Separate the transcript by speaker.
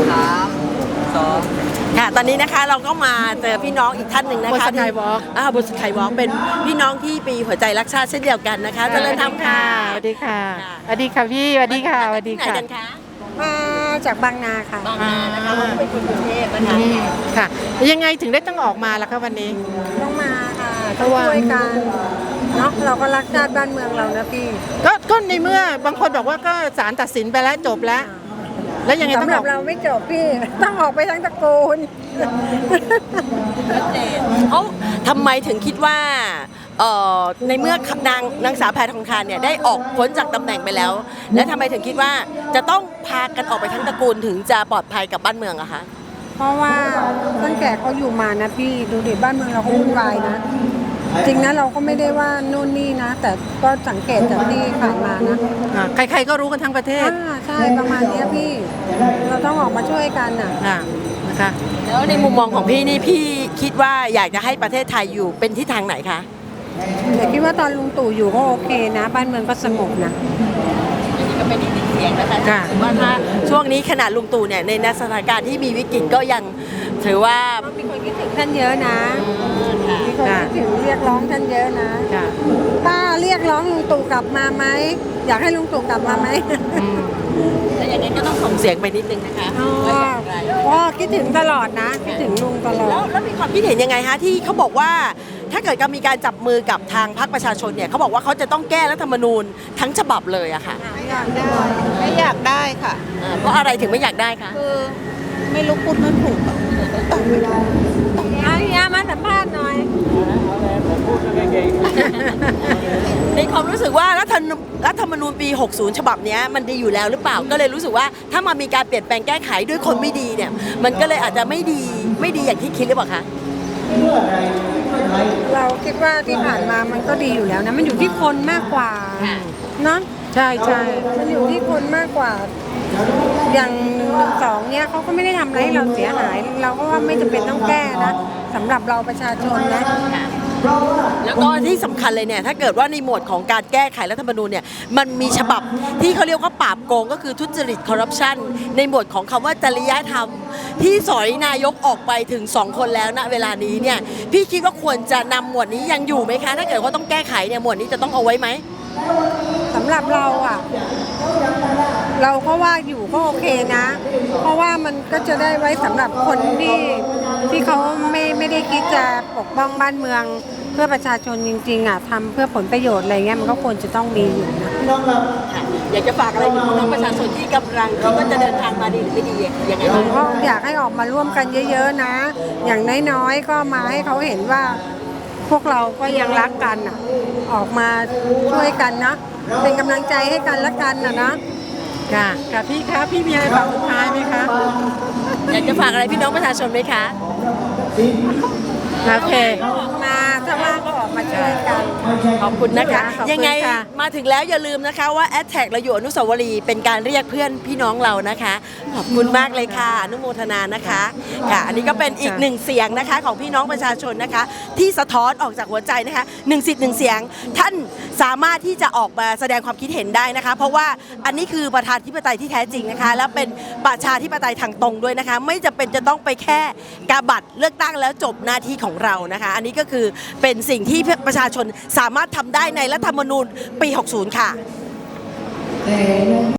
Speaker 1: 3 2ค่ะตอนนี้นะคะเราก็มาเจอพี่น้องอีกท่านหนึ่งนะคะ
Speaker 2: บนสกายวอล์ก
Speaker 1: บนสกายวอล์กเป็นพี่น้องที่ปีหัวใจรักชาติเช่นเดียวกันนะคะเจริญธรรมค่ะ
Speaker 2: สวัสดีค่ะสวัสดีค่ะพี่สวัสดีค่ะสวัสดี
Speaker 1: ไหน
Speaker 2: ค่ะ
Speaker 1: กันคะ
Speaker 3: มาจากบางนาค่ะ
Speaker 1: บางนานะคะเราเป็นคนกรุงเทพนะคะ
Speaker 2: ค่ะยังไงถึงได้ต้องออกมาล่ะคะวันนี้
Speaker 3: ต้องมาค่ะต้องช่วยกันเนาะเราก็รักชาติบ้านเมืองเรานะพี่
Speaker 2: ก็ในเมื่อบางคนบอกว่าก็ศาลตัดสินไปแล้วจบแล้ว แล้วยังไงต้อง
Speaker 3: สำห
Speaker 2: อ
Speaker 3: รั
Speaker 2: อบ ก
Speaker 3: เราไม่จบพี่ต้องออกไปทั้งตระกูล
Speaker 1: เขาทำไมถึงคิดว่าในเมื่อนางสาวแพทองทานเนี่ยได้ออกพ้นจากตำแหน่งไปแล้ว และทำไมถึงคิดว่าจะต้องพากันออกไปทั้งตระกูลถึงจะปลอดภัยกับบ้านเมืองอะคะ
Speaker 3: เพราะว่าตั้งแต่เขาอยู่มานะพี่ดูดิบ้านเมืองเราก็วุ่นวายนะจริงนะเราก็ไม่ได้ว่านู่นนี่นะ แต่ก็สังเกตจากที่ผ่านมานะ
Speaker 2: ใครๆก็รู้กันทั้งประเทศ
Speaker 3: ใช่ประมาณเนี้ยพี่เราต้องออกมาช่วยกันอ่ะ
Speaker 2: นะคะ
Speaker 1: แล้วในมุมมองของพี่นี่พี่คิดว่าอยากจะให้ประเทศไทยอยู่เป็นทิศทางไหนคะ
Speaker 3: แต่คิดว่าตอนลุงตู่อยู่ก็โอเคนะบ้านเมืองก็สงบนะ
Speaker 1: นี่ก็เป็นอีกหนึ่งเสียงนะคะถือว่าถ้าช่วงนี้ขนาดลุงตู่เนี่ยในสถานการณ์ที่มีวิกฤตก็ยังถือว่า
Speaker 3: มีคนคิดถึงท่านเยอะนะมีคนคิดถึงเรียกร้องท่านเยอะนะป้าเรียกร้องลุงตู่กลับมาไหมอยากให้ลุงตู่กลับมาไหม
Speaker 1: แต่อย่างนั้นก็ต้องส่งเสียงไปนิดนึงนะคะว่าอย่างไร
Speaker 3: อ๋อคิดถึงตลอดนะคิดถึงลุงตลอด
Speaker 1: แล้วมีความคิดเห็นยังไงคะที่เขาบอกว่าถ้าเกิดมีการจับมือกับทางพรรคประชาชนเนี่ยเขาบอกว่าเขาจะต้องแก้รัฐธรรมนูญทั้งฉบับเลยอะค่ะ
Speaker 3: ไม่อยากได้ค่ะ
Speaker 1: เพราะอะไรถึงไม่อยากได้คะ
Speaker 3: คือไม่รู้พูดไม่ถูกเอาเฮียมาสัมภาษณ์หน่อย
Speaker 1: ในความรู้สึกว่ารัฐธรรมนูญปี 60 ฉบับนี้มันดีอยู่แล้วหรือเปล่าก็เลยรู้สึกว่าถ้ามามีการเปลี่ยนแปลงแก้ไขด้วยคนไม่ดีเนี่ยมันก็เลยอาจจะไม่ดีอย่างที่คิดหรือเปล่าคะ
Speaker 3: เราคิดว่าที่ผ่านมามันก็ดีอยู่แล้วนะมันอยู่ที่คนมากกว่าเนาะ
Speaker 2: ใช่ใช่
Speaker 3: มันอยู่ที่คนมากกว่า อย่าง112เนี่ยเขาก็ไม่ได้ทำอะไรให้เราเสียหาย เราก็ว่าไม่จำเป็นต้องแก้นะสำหรับเราประชาชนนะ
Speaker 1: แล้วก็ที่สำคัญเลยเนี่ยถ้าเกิดว่าในหมวดของการแก้ไขรัฐธรรมนูญเนี่ยมันมีฉบับที่เขาเรียกว่าปราบโกงก็คือทุจริตคอร์รัปชันในหมวดของคำว่าจริยธรรมที่สอยนายกออกไปถึง2คนแล้วณเวลานี้เนี่ยพี่คิดว่าควรจะนำหมวดนี้ยังอยู่ไหมคะถ้าเกิดว่าต้องแก้ไขเนี่ยหมวดนี้จะต้องเอาไว้ไหม
Speaker 3: สำหรับเราอ่ะเราก็ว่าอยู่ก็โอเคนะ เพราะว่ามันก็จะได้ไว้สำหรับคนที่เขาไม่ได้คิดจะปกป้องบ้านเมืองเพื่อประชาชนจริงๆอ่ะทำเพื่อผลประโยชน์อะไรเงี้ยมันก็ควรจะต้องมีอยู่นะ
Speaker 1: อยากจะฝากอะไรถึงพี่น้องประชาชนที่กำลังคิดว่าจะเดินทางมาดีหรือไม่ดียังไงบ้าง
Speaker 3: ก็อยากให้ออกมาร่วมกันเยอะๆนะ อย่างน้อยๆก็มาให้เขาเห็นว่าพวกเราก็ยังรักกันอ่ะออกมาช่วยกันนะเป็นกำลังใจให้กันและกันนะ
Speaker 2: ค่ะค่ะพี่คะพี่มีอะไรฝากสุดท้ายไหมคะ
Speaker 1: อยากจะฝากอะไรพี่น้องประชาชนไหมคะ
Speaker 2: โอเค
Speaker 3: ออกมาถ้าว่างก็ออกมาช่วยกัน
Speaker 1: ขอบคุณนะคะ
Speaker 2: ขอบคุณ
Speaker 1: ยังไง
Speaker 2: ค่ะ
Speaker 1: มาถึงแล้วอย่าลืมนะคะว่าแอดแท็กเราอยู่อนุสาวรีย์เป็นการเรียกเพื่อนพี่น้องเรานะคะขอบคุณมากเลยค่ะอนุโมทนานะคะค่ะอันนี้ก็เป็นอีกหนึ่งเสียงนะคะของพี่น้องประชาชนนะคะ ที่สะท้อนออกจากหัวใจนะคะ1 สิทธิ์ 1 เสียงท่านสามารถที่จะออกมาแสดงความคิดเห็นได้นะคะ เพราะว่าอันนี้คือประชาธิปไตยที่แท้จริงนะคะ แล้วเป็นประชาธิปไตยทางตรงด้วยนะคะ ไม่จำเป็นจะต้องไปแค่กาบัตรเลือกตั้งแล้วจบหน้าที่ของเรานะคะ อันนี้ก็คือเป็นสิ่งที่ประชาชนสามารถทำได้ในรัฐธรรมนูญปี 60 ค่ะ